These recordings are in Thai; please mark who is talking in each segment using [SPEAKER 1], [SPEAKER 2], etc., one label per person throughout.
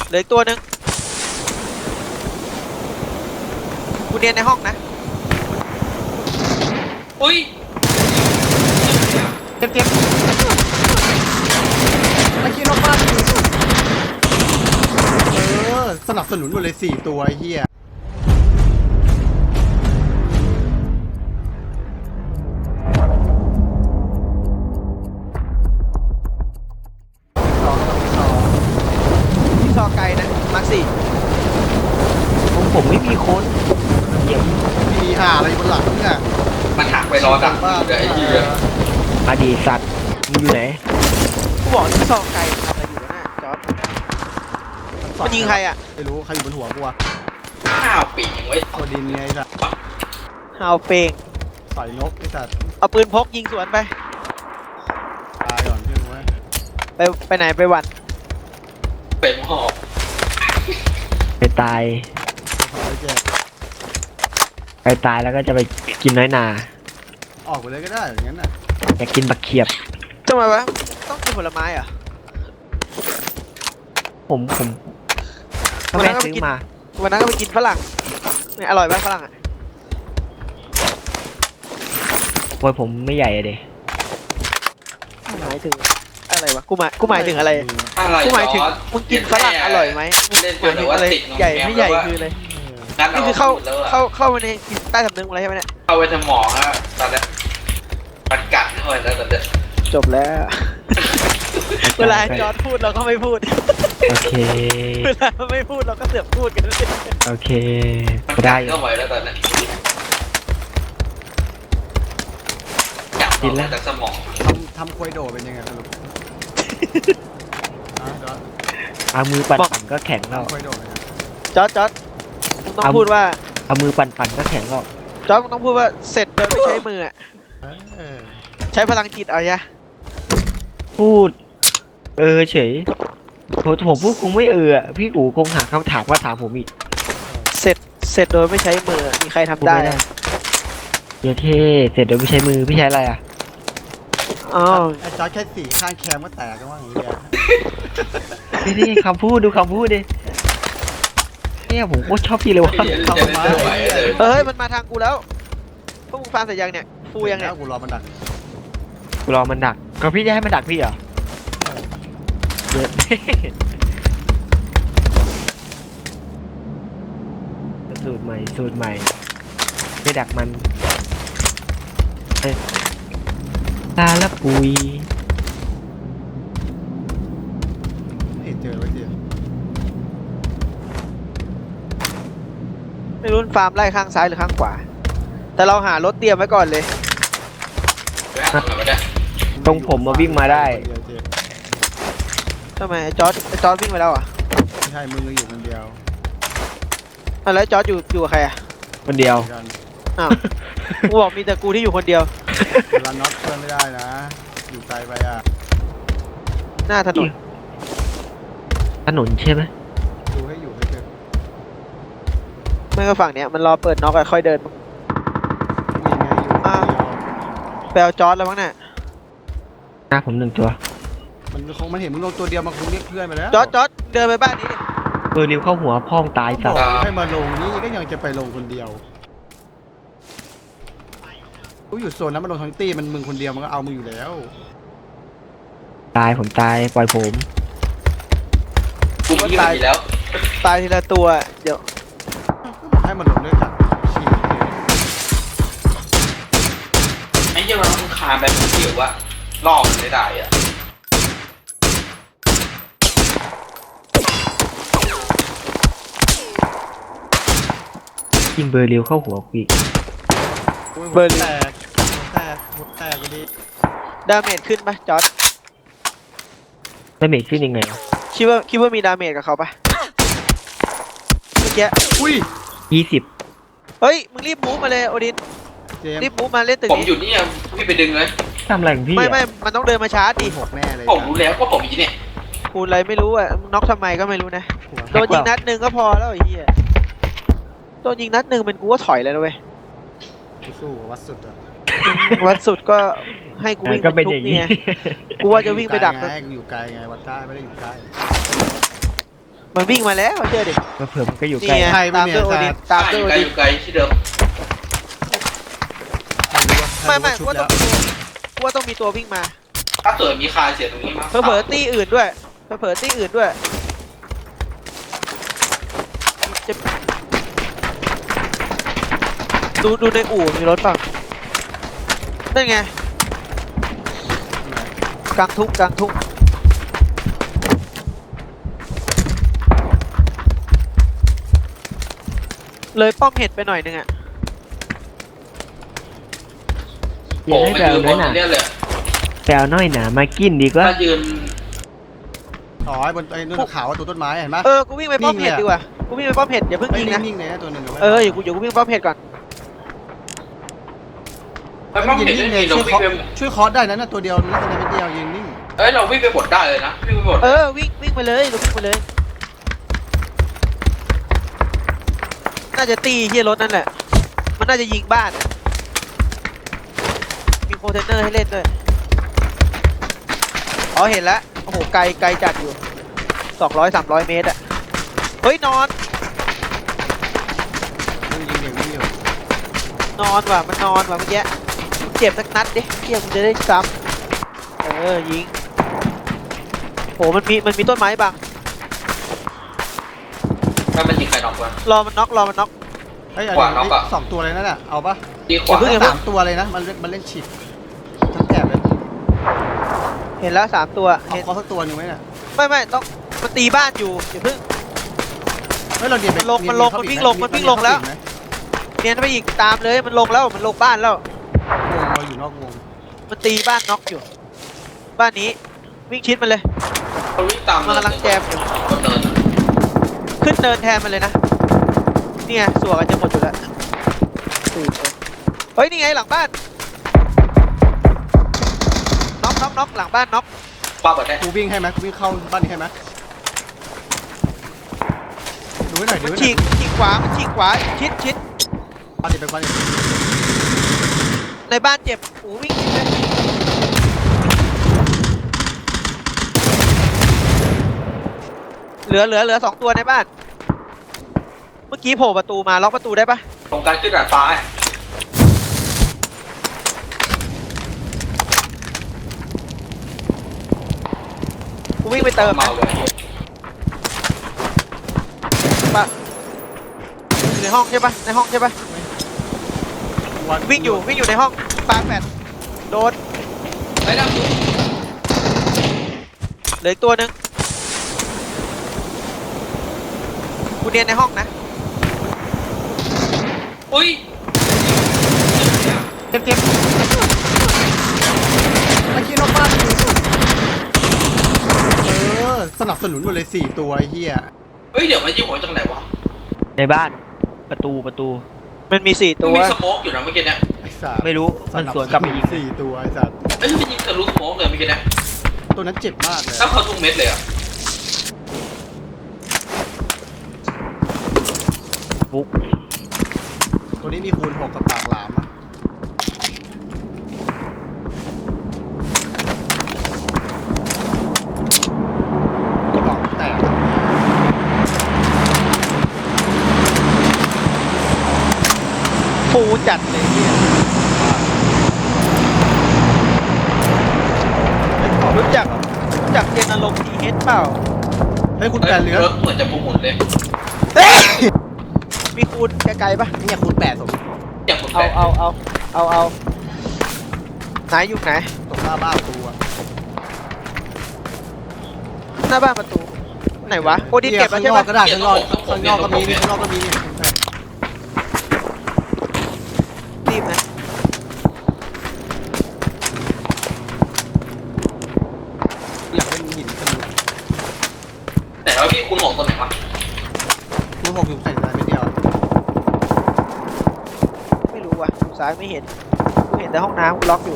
[SPEAKER 1] เหลืออีกตัวหนึ่งกูเนียนในห้องนะ
[SPEAKER 2] อุ้ย
[SPEAKER 3] เจ็บไอ้เหี้ยนอกบ้านสนับสนุนหมดเลย4ตัวไอ้เหี้ย
[SPEAKER 1] ที่ซอไกลนะมาร์คสี่
[SPEAKER 4] ของผมไม่มีคนเดี๋ยว
[SPEAKER 3] มีหาอะไรบนหลังเนี่ย
[SPEAKER 2] มันหักไปรอดักอยู่เลยไอ้เหี้ย
[SPEAKER 4] อดีตสัตว์มึงอยู่ไหน
[SPEAKER 1] กูบอกที่ซอไกลทำอะไรอยู่นะจอร์ดมันยิงใครอ่ะ
[SPEAKER 3] ไม่รู้ใครอยู่บนหัวกูอะ
[SPEAKER 2] ข้าวปีกไว้
[SPEAKER 3] โคดินไงสัตว์
[SPEAKER 1] ฮาวเปง
[SPEAKER 3] ต่อยนกไอ้สัตว์
[SPEAKER 1] เอาปืนพกยิงสวนไป
[SPEAKER 3] ตายก่อนเชื่อไหม
[SPEAKER 1] ไปไหนไปหวัน
[SPEAKER 2] เป็นหอบ
[SPEAKER 4] ไปตาย
[SPEAKER 3] ขอไอ้เจ๊
[SPEAKER 4] ไปตายแล้วก็จะไปกินน้อยนา
[SPEAKER 3] ออกไปเลยก็ได้อย่างนั้นน่ะ
[SPEAKER 4] อยากกินบักเขียบ
[SPEAKER 1] ทำไมวะต้องกินผลไม้เหรอ่ะ
[SPEAKER 4] ผมก็แม่ซื้อมา
[SPEAKER 1] วันนั้นก็ไปกินฝรั่งเนี่ยอร่อยไหมฝรั่งอ่ะ
[SPEAKER 4] โวยผมไม่ใหญ่อะเด
[SPEAKER 1] หมายถึงอะไรวะกูหมายถึงอะไร
[SPEAKER 2] อะไร
[SPEAKER 1] กูหมายถึง
[SPEAKER 2] จอร์จ
[SPEAKER 1] มึงกินฝรั่งอร่อยไหมมึง
[SPEAKER 2] เล่น
[SPEAKER 1] หมายถึงอะไร
[SPEAKER 2] ติด
[SPEAKER 1] ใหญ่ไม่ใหญ่คืออะไร
[SPEAKER 2] งั้น
[SPEAKER 1] นี่คือเข้ามาในจิตใต้สำนึกมึงอะไรใช่ไหมเนี่ย
[SPEAKER 2] เข้าไปสมองแล้วตอนนี้มันกัดเข้าไปแล้วตอนนี้
[SPEAKER 1] จบแล้ว เวลาจอร์ดพูดเราก็ไม่พูด
[SPEAKER 4] โอเค
[SPEAKER 1] เวลาไม่พูดเราก็เสือกพูดกันเลย
[SPEAKER 4] โอเค
[SPEAKER 2] มัน
[SPEAKER 4] ได้
[SPEAKER 2] กัดเข้าไปแล้วตอนนี้จับออกมาจากสมอง
[SPEAKER 3] ทำควยโดเป็นยังไงสรุปจอร์จ
[SPEAKER 4] เอามือปั่นก็แข็งแล้ว
[SPEAKER 3] ทำควยโดเป็นยังไง
[SPEAKER 1] จอร์ดมึงต้องพูดว่า
[SPEAKER 4] เอามือปั่นก็แข็งแล้ว
[SPEAKER 1] จอร์ดมึงต้องพูดว่าเสร็จโดยไม่ใช้มืออะ
[SPEAKER 3] เออ
[SPEAKER 1] ใช้พลังจิตเอาใช่
[SPEAKER 4] พูด เฉยผมพูดคงไม่อะพี่กูคงหาคำถามว่าถามผมอีก
[SPEAKER 1] เสร็จโดยไม่ใช้มือมีใครทำได้
[SPEAKER 4] เดี๋ยวเท่เสร็จโดยไม่ใช้มือพี่ใช้อะไรอ่ะ
[SPEAKER 1] อ๋อ
[SPEAKER 3] ไอ้จอร์จแค่สีข้างแคมก็แตกกันว่าอย่างเงี้ย
[SPEAKER 4] นี่คำพูดดูคำพูดดิเนี่ยผมโคตรชอบพี่เลยว่ะ
[SPEAKER 2] จะเล่นไม่ไหวเลย
[SPEAKER 1] เฮ้ยมันมาทางกูแล้วพวกมึงฟังเสร็จยังเนี่ยฟูยังเนี่ย
[SPEAKER 3] กูรอมันดัก
[SPEAKER 4] กูรอมันดักก็พี่จะให้มันดักพี่เหรอเดี๋ยวสูตรใหม่ไม่ดักมันตาละปุย
[SPEAKER 3] ไม่เห็นเจอไว้เดียว
[SPEAKER 1] ไม่รู้ฟาร์มไล่ข้างซ้ายหรือข้างขวา แต่เราหารถเตรียมไว้ก่อนเลย
[SPEAKER 4] ตรงผมมาวิ่งมาได้
[SPEAKER 1] ทำไมไอ้จอร์ดวิ่งไปแล้วอ่ะ
[SPEAKER 3] ไม่ใช่มึงอยู่คนเดียว
[SPEAKER 1] แล้วจอร์ดอยู่กับใครอ่ะ
[SPEAKER 4] คนเดียว
[SPEAKER 3] กัน
[SPEAKER 1] อ้าวกูบอกมีแต่กูที่อยู่คนเดียว
[SPEAKER 3] เวลาน็อตเพื่อนไม่ได้นะ อยู่ไกลไปอ่ะ
[SPEAKER 1] หน้าถนน
[SPEAKER 4] ถนนใช่ไหม
[SPEAKER 3] ดูให้อยู่ให้เจอ
[SPEAKER 1] ไม่ก็ฝั่งเนี้ยมันรอเปิดน็อกอะค่อยเดิน
[SPEAKER 3] นี่ไงอยู่คนเดียว
[SPEAKER 1] ไปเอาจอร์ดแล้วมั้งเนี่ย
[SPEAKER 4] หน้าผมหนึ่งตัว
[SPEAKER 3] มันเห็นมึงลงตัวเดียวมันคงเรียกเพื่อนไปแล้ว
[SPEAKER 1] จอร์ดเดินไปบ้านนี้ดิ
[SPEAKER 4] ริวเข้าหัวพ่องตาย
[SPEAKER 3] บ
[SPEAKER 4] สั
[SPEAKER 3] อ
[SPEAKER 4] ต
[SPEAKER 3] ก
[SPEAKER 4] ว์
[SPEAKER 3] ให้มาลงนี่ก็ยังจะไปลงคนเดียวกูอยู่โซนนั้นมันลงทั้งตีมันมึงคนเดียวมันก็เอามึงอยู่แล้ว
[SPEAKER 4] ผมตายปล่อยผม
[SPEAKER 2] กูยิงไปแล้ว
[SPEAKER 1] ตายทีละตัวเดี๋ยว
[SPEAKER 3] ก็บอกให้มาลงด้วยกันชี้
[SPEAKER 2] ไอ้เหี้ยมันคานไปมันเกี่ยวว่าล่อมันไม่ได้อะ
[SPEAKER 4] ยิงเบอร์ริวเข้าหัวกูอีก
[SPEAKER 3] เบอร์แตกหัวแตกไปดิ
[SPEAKER 1] ดาเมจขึ้นปะจอร์ด
[SPEAKER 4] ได้เมจขึ้นยังไงวะ
[SPEAKER 1] คิดว่ามีดาเมจกับเขาปะเมื่อกี้
[SPEAKER 3] อุ้ย
[SPEAKER 4] 20
[SPEAKER 1] เฮ้ยมึงรีบมูฟมาเลยโอดิน
[SPEAKER 3] เจม
[SPEAKER 1] รีบมูฟมาเล่นตึก
[SPEAKER 2] ผม
[SPEAKER 1] นี้
[SPEAKER 2] อยู่นี่พี่ไปดึงเลย
[SPEAKER 4] ทำอะไรของพี่
[SPEAKER 1] ไม่
[SPEAKER 4] อะ
[SPEAKER 1] มันต้องเดินมาชาร์จดิ
[SPEAKER 3] หกแน่เลย
[SPEAKER 2] ผมรู้แล้วว่าผมอยู่เนี่ย
[SPEAKER 1] คูณอะไรไม่รู้อ่ะมึงน็อกทำไมก็ไม่รู้นะโดนยิงนัดหนึ่งก็พอแล้วไอ้เหี้ยโดนยิงนัดหนึ่งเป็นกูก็ถอยเลยนะเว้ย
[SPEAKER 3] สู้วัดสุดอ่ะ
[SPEAKER 1] วัดสุดก็ให้กูวิ่ง
[SPEAKER 4] ก็
[SPEAKER 1] เป็
[SPEAKER 4] เป็น น
[SPEAKER 1] ทุ
[SPEAKER 4] อก ย่าง
[SPEAKER 1] นี่
[SPEAKER 4] นี้
[SPEAKER 1] ไงกูว่าจะวิ่งไปดัก
[SPEAKER 3] ไงกูอยู่ไกลไงวัดได้ไม่ได้อยู่ใกล้
[SPEAKER 1] มันวิ่งมาแล้วเชื่อดิ
[SPEAKER 4] เผื่อมันก็อยู่
[SPEAKER 1] นี่
[SPEAKER 4] ใกล้
[SPEAKER 1] ไง
[SPEAKER 3] ใช่ไม่
[SPEAKER 1] ตาม
[SPEAKER 3] มี
[SPEAKER 1] ด้วยโอดินตามด้วยโอ
[SPEAKER 2] ไกล
[SPEAKER 1] ดิ
[SPEAKER 2] อน ยู่ไกลที่เดิม
[SPEAKER 1] ไม่กู
[SPEAKER 3] ชุบ
[SPEAKER 1] ว่า
[SPEAKER 3] แล้
[SPEAKER 1] ต้อ
[SPEAKER 3] ว
[SPEAKER 1] งกูว่าต้องมีตัววิ่งมา
[SPEAKER 2] ถ้าเกิดมีคาเสียตรงนี้มั้ง
[SPEAKER 1] เผลอๆตี้อื่นด้วยเผลอๆตี้อื่นด้วยจะดูในอู่มีรถป่ะนั่นไงกลางทุ่งเลยป้อมเห็ดไปหน่อยนึงอ่ะ
[SPEAKER 4] เดี๋ยวให้
[SPEAKER 2] ไป
[SPEAKER 4] แปล
[SPEAKER 2] ยืนบ
[SPEAKER 4] นั่
[SPEAKER 2] น
[SPEAKER 4] นน่ะ
[SPEAKER 2] เนี่ยเลย
[SPEAKER 4] แปลน้อยหนามากินดีกว่า
[SPEAKER 2] ถ้ายืน
[SPEAKER 3] อ๋อไอ้บนไอ้นู่นขาวตัวต้นไม้เห็นไหม
[SPEAKER 1] กูวิ่งไปป้อมเห็ดดีกว่ากูวิ่งไปป้อมเห็ดอย่าเพิ่ง
[SPEAKER 3] เฮ้ย
[SPEAKER 1] ยิงนะ
[SPEAKER 3] นิ่งๆเลยนะตัวหนึ่ง
[SPEAKER 1] อยู่กูวิ่งป้อมเห็ดก่อน
[SPEAKER 2] ไปป้อม
[SPEAKER 3] ยืน
[SPEAKER 2] เห็น
[SPEAKER 3] นิ่ง
[SPEAKER 2] ได้
[SPEAKER 3] เลย
[SPEAKER 2] เรา
[SPEAKER 3] ช่วย
[SPEAKER 2] วิ่ง
[SPEAKER 3] เคาะ
[SPEAKER 2] ไป
[SPEAKER 3] ช่วยเคาะได้นะตัวเดียวนักแสดงเม็ดเดียวยืนนิ่ง
[SPEAKER 2] เอ้ยเราวิ่งไปบดได้เลยนะวิ่งไปบด
[SPEAKER 1] วิ่งไปเลยเราวิ่งไปเลยน่าจะตีที่รถนั่นแหละมันน่าจะยิงบ้านมีโคเทนเนอร์ให้เล่นด้วยอ๋อเห็นแล้วโอ้โหไกลจัดอยู่200-300 เมตรอะเฮ้ยนอน
[SPEAKER 3] ยิงอยู่
[SPEAKER 1] นอนว่ะมันนอนว่ะเมื่อกี้เจ็บสักนัดดิเที่ยมันจะได้ซ้ำยิงโหมันมีต้นไม้บัง
[SPEAKER 2] ถ้ามันยิงใครนอกวะ
[SPEAKER 1] รอมันน็อก
[SPEAKER 3] เฮ้ย
[SPEAKER 2] ขวาน็อกอะ
[SPEAKER 3] สองตัวเลยนั่นแหละเอาปะ
[SPEAKER 2] ดีขวา
[SPEAKER 3] สามตัวเลยนะมันเล่นฉีดทั้งแถบเลย
[SPEAKER 1] เห็นแล้ว3 ตัว
[SPEAKER 3] เอา
[SPEAKER 1] เห็น
[SPEAKER 3] เขาสักตัวหนึ่งไหมเนี่ย
[SPEAKER 1] ไม่ต้องมันตีบ้านอยู่อย่าเพิ่ง
[SPEAKER 3] เฮ้ยเราเดียนไป
[SPEAKER 1] มันลงมันวิ่งลงแล้ว เนียนไปอีกตามเลยมันลงบ้านแล้ว
[SPEAKER 3] วงเราอยู่นอกวง
[SPEAKER 1] มันตีบ้านน็อกอยู่ บ้านนี้วิ่งชิดมันเลย
[SPEAKER 2] เขาวิ่งตาม
[SPEAKER 1] มันกำลังแจมอยู่
[SPEAKER 2] บนเนิน
[SPEAKER 1] ขึ้นเนินแทนมันเลยนะเนี่ยสวกันจะหมดอยู่แล้วเฮ้ยนี่ไงหลังบ้านน็อกหลังบ้านน็อก
[SPEAKER 2] ป้าบดได้
[SPEAKER 3] กูวิ่งให้ไหมกูวิ่งเข้าบ้านนี้ให้ไหมดูให้หน่อยดู
[SPEAKER 1] มัน
[SPEAKER 3] ให้หน่
[SPEAKER 1] ฉี
[SPEAKER 3] อย
[SPEAKER 1] กขวาชิด
[SPEAKER 3] บ้านนี้เป็นบ้านนี้
[SPEAKER 1] ในบ้านเจ็บโอ้วิ่งชิดเลยเหลือ2 ตัวในบ้าน เมื่อกี้โผล่ประตูมาล็อกประตูได้ปะ
[SPEAKER 2] ตรงการขึ้นดาดฟ้า
[SPEAKER 1] กูวิ่งไปเติม
[SPEAKER 2] เมา
[SPEAKER 1] นะ
[SPEAKER 2] เลย
[SPEAKER 1] ปะอยู่ในห้องใช่ปะวิ่งอยู่ในห้องปาแปดโดน
[SPEAKER 2] ไอ้ดำดู
[SPEAKER 1] เหลืออีกตัวหนึ่งกูเนียนในห้องนะ
[SPEAKER 2] อุ้ย
[SPEAKER 3] เจ็บไอ้ขี้นอกบ้านสนับสนุนหมดเลย4 ตัวไอ้เหี้ย
[SPEAKER 2] เฮ้ยเดี๋ยวมันยิงหัวจากไหนวะ
[SPEAKER 4] ในบ้านประตู
[SPEAKER 1] มันมี4
[SPEAKER 2] มัน
[SPEAKER 1] ตัว
[SPEAKER 2] มีสโมกอยู่นะเมื่อกี้เนี่ย
[SPEAKER 3] ไอ้สัส
[SPEAKER 4] ไม่รู้มันสวนกลับไปยิง
[SPEAKER 3] 4 ตัวไอ้สัส
[SPEAKER 2] เอ้ยมันยิงทะลุสโมกเลยเมื่อกี้เนี่ย
[SPEAKER 3] ตัวนั้นเจ็บมากเลย
[SPEAKER 2] ถ้าเขาทุกเม็ดเลยอ่ะ
[SPEAKER 4] ปุ๊ก
[SPEAKER 3] ตัวนี้มีคูณ 6กับปากหลามอะกระบอกแตก
[SPEAKER 1] ฟูจัดเลยเนี่ยรู้จักเจนอารมณ์ดีเฮดเปล่า
[SPEAKER 3] เฮ้ยคุณแปดเหลือ
[SPEAKER 2] รถเหมือนจะพุ่งหมุนเลย
[SPEAKER 1] มีคูณไกลๆปะ
[SPEAKER 3] เนี่ยคูณ8สม
[SPEAKER 2] อย่างหมุน
[SPEAKER 1] เอา
[SPEAKER 2] แปด
[SPEAKER 1] ไหนอยู่ไหน
[SPEAKER 3] ตรงหน้าบ้านตัว
[SPEAKER 1] หน้าบ้านประตู ไหนวะโอดินเก็บแล้วใช่
[SPEAKER 3] ข้างนอ
[SPEAKER 1] ปะ
[SPEAKER 3] กก็ได้ข้างนอกก็มีข้างนอกก็มีเนี่ย
[SPEAKER 1] รีบนะ
[SPEAKER 3] อยากเล่นหินกันเลย
[SPEAKER 2] แต่ว่าพี่คุณหงตัวไหนวะ
[SPEAKER 3] คูณ 6อยู่ใส่อะไรไม่เดียว
[SPEAKER 1] ไม่รู้ว่ะดูซ้ายไม่เห็นกูเห็นแต่ห้องน้ำกูล็อกอยู่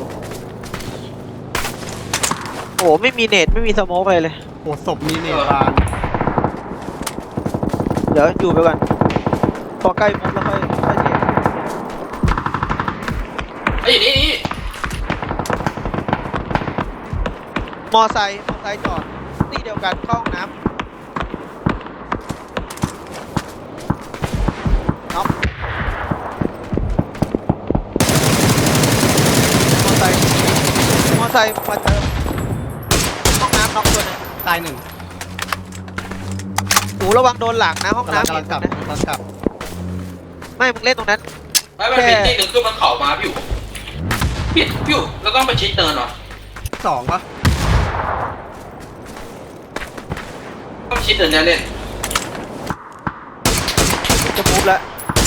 [SPEAKER 1] โอ้ไม่มีเน็ตไม่มีสโมกอะไรเลย
[SPEAKER 3] โอ้ศพมีเนบาน
[SPEAKER 1] เดี๋ยวอยู่ไปก่อนพอใกล้มุมแล้วค่อยเสีย
[SPEAKER 2] ไอ้ยนี่
[SPEAKER 1] มอไซค์จอดที่เดียวกันเข้าห้องน้ไซค์มาเติมห้องน้ำน็อกตัวหนึง
[SPEAKER 3] ตายหนึ่ง
[SPEAKER 1] หูระวังโดนหลังนะห้อง
[SPEAKER 3] กำลัง
[SPEAKER 1] น้ำ
[SPEAKER 3] กำลังกลับ
[SPEAKER 1] นะ
[SPEAKER 3] กำลังกลับ
[SPEAKER 1] ไม่มึงเล่นตรงนั้น
[SPEAKER 2] ไม่ไม่เป็นที่หนึ่งคือมันเข่ามาพี่อยู่พี่อยู่แล้วต้องไปชิดเนินเหรอ
[SPEAKER 3] สองปะ
[SPEAKER 2] ต้องชิดเนินเนี่ยเล่น
[SPEAKER 1] จะมูฟแล้ว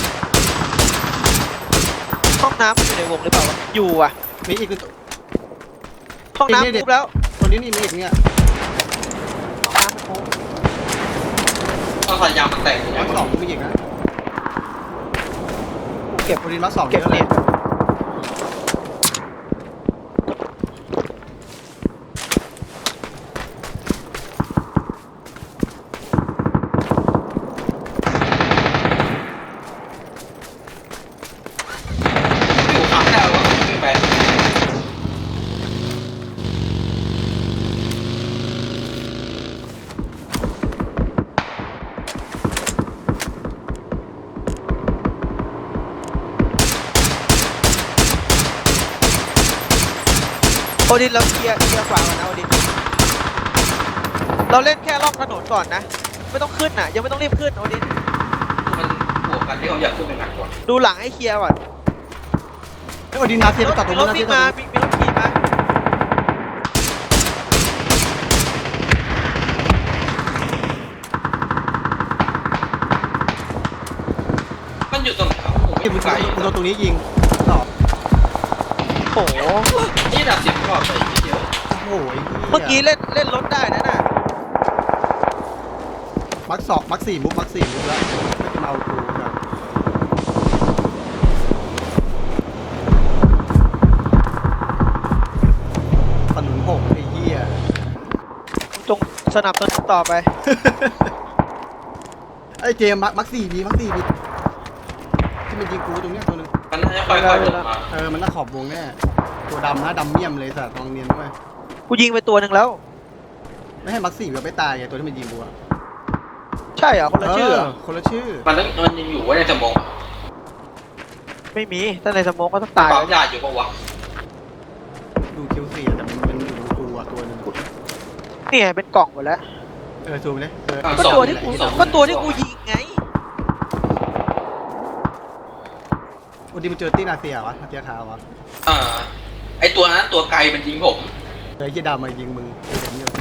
[SPEAKER 1] ห้องน้ำอยู่ในวงหรือเปล่าวะอยู่อ่ะ
[SPEAKER 3] มีอีกตัว
[SPEAKER 1] ห้องน้ำมูฟแล้ว
[SPEAKER 3] ตัวนี้นี่มีอีกเนี่ย
[SPEAKER 1] ห้องน้ำมันมูฟ
[SPEAKER 2] ต้องใส่ยางมันแตกอย่างเงี้
[SPEAKER 3] มั
[SPEAKER 2] ย
[SPEAKER 3] กสองมีอีกนะ
[SPEAKER 1] กูเก็บ
[SPEAKER 3] โอดินมักสอง
[SPEAKER 1] เก็บ
[SPEAKER 3] เยอะเล
[SPEAKER 1] เนี่ย ย
[SPEAKER 2] พี่อยู่ขับได้แล้วก็ขึ้นไป
[SPEAKER 1] โอดินเราเคลียร์ขวาก่อนนะโอดินเราเล่นแค่รอบถนนก่อนนะไม่ต้องขึ้นน่ะยังไม่ต้องรีบขึ้นโอดิน
[SPEAKER 2] มันบวกกันที่เขาอยากขึ้นไปหนักกว่า
[SPEAKER 1] ดูหลังให้เคลียร์ก่อน
[SPEAKER 3] ไอ้โอดินนาเซียไปตัดตรง
[SPEAKER 1] ร
[SPEAKER 3] นู้
[SPEAKER 1] ถ
[SPEAKER 3] นนาเซี
[SPEAKER 1] วิ่
[SPEAKER 3] ย
[SPEAKER 1] งมามีรถขี่มา
[SPEAKER 2] มันอยู่ตรงไหนครับผม
[SPEAKER 3] ที่
[SPEAKER 2] ไม่
[SPEAKER 3] มึง
[SPEAKER 2] ไกล
[SPEAKER 3] โดนตรงนี้ยิงสอง
[SPEAKER 1] โอ้โห
[SPEAKER 2] นี่ดับสิบรอบไปทีเดียว
[SPEAKER 3] โอ้โห
[SPEAKER 1] เมื่อกี้เล่นรถได้นะน่ะ
[SPEAKER 3] มักสองมักสี่มุกมักสี่มุกแล้วไม่จะมาเอากูครับถนนหกไอ้เหี้ย
[SPEAKER 1] จงสนับสนุนต่อไป
[SPEAKER 3] ไอ้เจมส์มักสี่มีมักสี่มีที่มันยิงกูตรงเนี้ยตัวนึง
[SPEAKER 2] มันน่าจะค่อยๆลงมา
[SPEAKER 3] มันน่าขอบวงแน่ตัวดำนะดำเมี่ยมเลยสัตว์ลองเนียนด้วย
[SPEAKER 1] กูยิงไปตัวหนึ่งแล้ว
[SPEAKER 3] ไม่ให้มักสี่มันไม่ตายไงตัวที่มันยิงกูอะ
[SPEAKER 1] ใช่เหรอคนละชื่อเหรอ
[SPEAKER 3] คนละชื่อ
[SPEAKER 2] มันยังอยู่ไว้ในสมอง
[SPEAKER 1] ไม่มีถ้าในสโมองก็ต้องตาย
[SPEAKER 2] ปั๊
[SPEAKER 1] แล้
[SPEAKER 2] ม
[SPEAKER 1] วย
[SPEAKER 2] าอยู่ปะวะ
[SPEAKER 3] ดูคิวสี่แต่มันอยู่ตรงกูอะตัวนึง
[SPEAKER 1] เนี่ยเป็นกล่องหมดแล้ว
[SPEAKER 3] ซูมไปเลย
[SPEAKER 1] ก็ตัวที่กูยิงไง
[SPEAKER 3] วันนี้มันเจอตี้นาเซียวะนาเซียขาววะ
[SPEAKER 2] ไอตัวนั้นตัวไกลมันยิงผม
[SPEAKER 3] ไอ้เหี้ยดำมายิงมึงเห็นอยู่